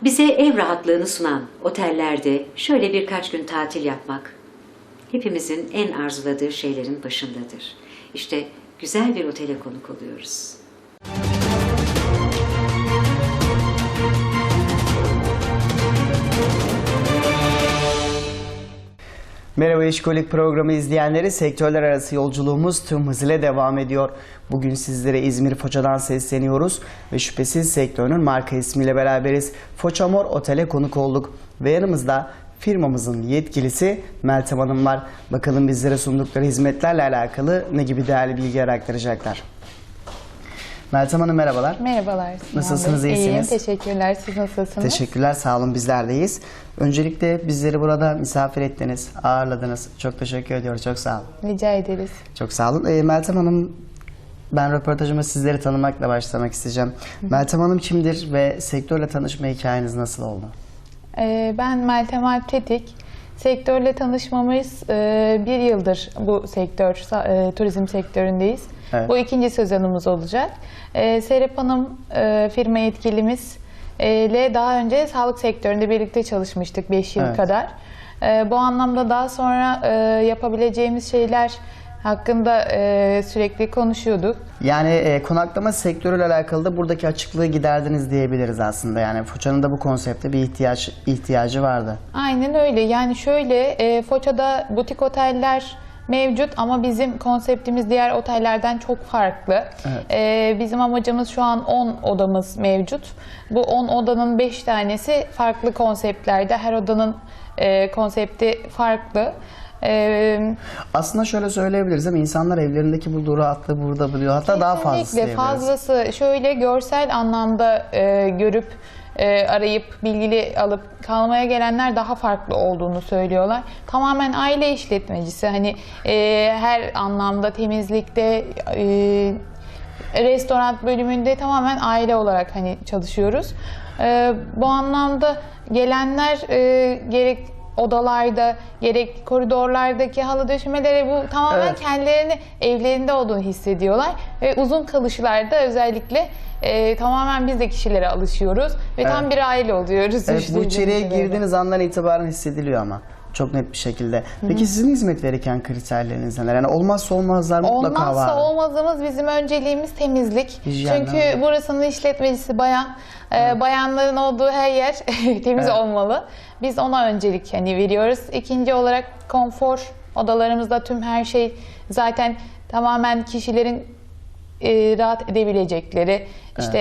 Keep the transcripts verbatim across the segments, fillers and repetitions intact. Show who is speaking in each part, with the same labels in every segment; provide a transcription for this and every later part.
Speaker 1: Bize ev rahatlığını sunan otellerde şöyle birkaç gün tatil yapmak hepimizin en arzuladığı şeylerin başındadır. İşte güzel bir otele konuk oluyoruz.
Speaker 2: Merhaba İşkolik programı izleyenleri, sektörler arası yolculuğumuz tüm hızıyla devam ediyor. Bugün sizlere İzmir Foça'dan sesleniyoruz ve şüphesiz sektörün marka ismiyle beraberiz. Foça Mor Otel'e konuk olduk ve yanımızda firmamızın yetkilisi Meltem Hanım var. Bakalım bizlere sundukları hizmetlerle alakalı ne gibi değerli bilgiler aktaracaklar. Meltem Hanım merhabalar.
Speaker 3: Merhabalar.
Speaker 2: Nasılsınız, iyisiniz?
Speaker 3: İyiyim, teşekkürler. Siz nasılsınız?
Speaker 2: Teşekkürler, sağ olun, bizler de iyiyiz. Öncelikle bizleri burada misafir ettiniz, ağırladınız. Çok teşekkür ediyoruz, çok sağ olun.
Speaker 3: Rica ederiz.
Speaker 2: Çok sağ olun. E, Meltem Hanım, ben röportajıma sizleri tanımakla başlamak isteyeceğim. Hı. Meltem Hanım kimdir ve sektörle tanışma hikayeniz nasıl oldu?
Speaker 3: Ee, ben Meltem Alp Tetik. Sektörle tanışmamız e, bir yıldır bu sektör, e, turizm sektöründeyiz. Evet. Bu ikinci sezonumuz olacak. E, Serap Hanım e, firma yetkilimiz e, ile daha önce sağlık sektöründe birlikte çalışmıştık beş yıl evet. kadar. E, bu anlamda daha sonra e, yapabileceğimiz şeyler hakkında e, sürekli konuşuyorduk.
Speaker 2: Yani e, konaklama sektörüyle alakalı da buradaki açıklığı giderdiniz diyebiliriz aslında. Yani Foça'nın da bu konsepte bir ihtiyaç ihtiyacı vardı.
Speaker 3: Aynen öyle. Yani şöyle e, Foça'da butik oteller mevcut ama bizim konseptimiz diğer otellerden çok farklı. Evet. Ee, bizim amacımız şu an on odamız mevcut. Bu on odanın beş tanesi farklı konseptlerde. Her odanın e, konsepti farklı. Ee,
Speaker 2: Aslında şöyle söyleyebiliriz değil mi? İnsanlar evlerindeki bulduğu rahatlığı burada buluyor. Hatta daha fazlası diyebiliriz.
Speaker 3: Fazlası şöyle görsel anlamda e, görüp E, arayıp bilgili alıp kalmaya gelenler daha farklı olduğunu söylüyorlar. Tamamen aile işletmecisi. Hani e, her anlamda temizlikte, e, restoran bölümünde tamamen aile olarak hani çalışıyoruz. E, bu anlamda gelenler e, gerek odalarda gerek koridorlardaki halı döşemeleri bu tamamen evet. kendilerini evlerinde olduğunu hissediyorlar ve uzun kalışlarda özellikle e, tamamen biz de kişilere alışıyoruz ve evet. tam bir aile oluyoruz.
Speaker 2: Evet, bu içeriye girdiğiniz andan itibaren hissediliyor ama çok net bir şekilde. Peki Hı-hı. sizin hizmet verirken kriterleriniz neler? Yani olmazsa olmazlar mutlaka var.
Speaker 3: Olmazsa olmazımız bizim önceliğimiz temizlik. Hijyen, Çünkü mi? burasının işletmecisi bayan. Ee, bayanların olduğu her yer temiz evet. olmalı. Biz ona öncelik hani veriyoruz. İkinci olarak konfor. Odalarımızda tüm her şey zaten tamamen kişilerin e, rahat edebilecekleri. Evet. İşte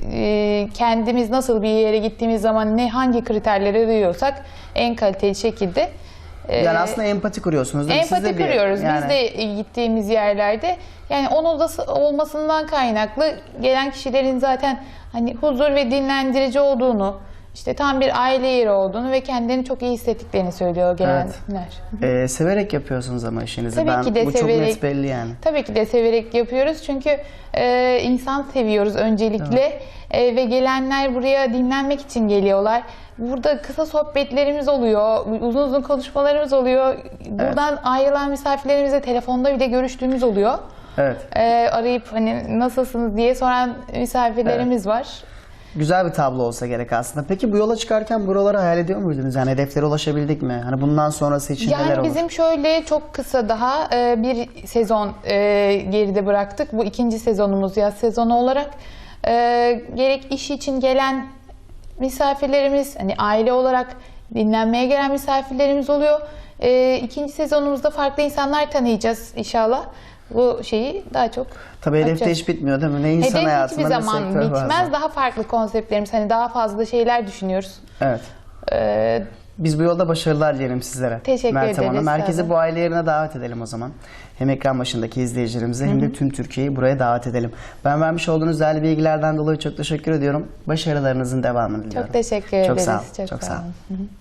Speaker 3: e, kendimiz nasıl bir yere gittiğimiz zaman ne hangi kriterleri duyuyorsak en kaliteli şekilde.
Speaker 2: Yani aslında empati kuruyorsunuz değil mi?
Speaker 3: Empati
Speaker 2: Siz de
Speaker 3: kuruyoruz.
Speaker 2: Bir, yani...
Speaker 3: Biz de gittiğimiz yerlerde yani on odası olmasından kaynaklı gelen kişilerin zaten hani huzur ve dinlendirici olduğunu, işte tam bir aile yeri olduğunu ve kendilerini çok iyi hissettiklerini söylüyor gelenler.
Speaker 2: Evet. Ee, severek yapıyorsunuz ama işinizi.
Speaker 3: Tabii
Speaker 2: ben,
Speaker 3: ki de
Speaker 2: bu
Speaker 3: severek,
Speaker 2: çok net belli yani.
Speaker 3: Tabii ki de severek yapıyoruz çünkü e, insan seviyoruz öncelikle e, ve gelenler buraya dinlenmek için geliyorlar. Burada kısa sohbetlerimiz oluyor, uzun uzun konuşmalarımız oluyor. Buradan evet. ayrılan misafirlerimizle telefonda bile görüştüğümüz oluyor.
Speaker 2: Evet.
Speaker 3: E, arayıp hani nasılsınız diye soran misafirlerimiz evet. var.
Speaker 2: Güzel bir tablo olsa gerek aslında. Peki bu yola çıkarken buraları hayal ediyor muydunuz? Yani hedeflere ulaşabildik mi? Hani bundan sonrası için
Speaker 3: yani
Speaker 2: neler olur?
Speaker 3: Yani bizim şöyle çok kısa daha e, bir sezon e, geride bıraktık. Bu ikinci sezonumuz yaz sezonu olarak. E, gerek iş için gelen misafirlerimiz, hani aile olarak dinlenmeye gelen misafirlerimiz oluyor. E, ikinci sezonumuzda farklı insanlar tanıyacağız inşallah. Bu şeyi daha çok
Speaker 2: Tabii hedefte hiç bitmiyor değil mi? Ne insan
Speaker 3: Hedef
Speaker 2: hayatında
Speaker 3: hiçbir zaman bitmez.
Speaker 2: Bazen.
Speaker 3: Daha farklı konseptlerimiz, hani daha fazla şeyler düşünüyoruz.
Speaker 2: Evet.
Speaker 3: Ee,
Speaker 2: Biz bu yolda başarılar dilerim sizlere.
Speaker 3: Teşekkür
Speaker 2: Meltem
Speaker 3: ederiz.
Speaker 2: Hanım. Herkesi bu aile yerine davet edelim o zaman. Hem ekran başındaki izleyicilerimize hem de tüm Türkiye'yi buraya davet edelim. Ben vermiş olduğunuz değerli bilgilerden dolayı çok teşekkür ediyorum. Başarılarınızın devamını diliyorum.
Speaker 3: Çok teşekkür
Speaker 2: çok
Speaker 3: ederiz.
Speaker 2: Sağ olun.
Speaker 3: Çok,
Speaker 2: çok
Speaker 3: sağ olun. Sağ olun.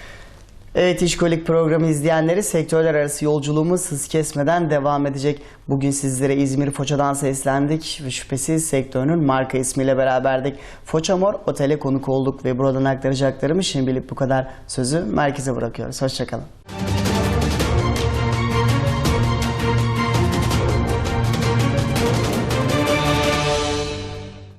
Speaker 2: Evet, İşkolik programı izleyenleri, sektörler arası yolculuğumuz hız kesmeden devam edecek. Bugün sizlere İzmir Foça'dan seslendik ve şüphesiz sektörünün marka ismiyle beraberdik. Foça Mor Otel'e konuk olduk ve buradan aktaracaklarımı şimdilik bu kadar. Sözü merkeze bırakıyoruz. Hoşçakalın.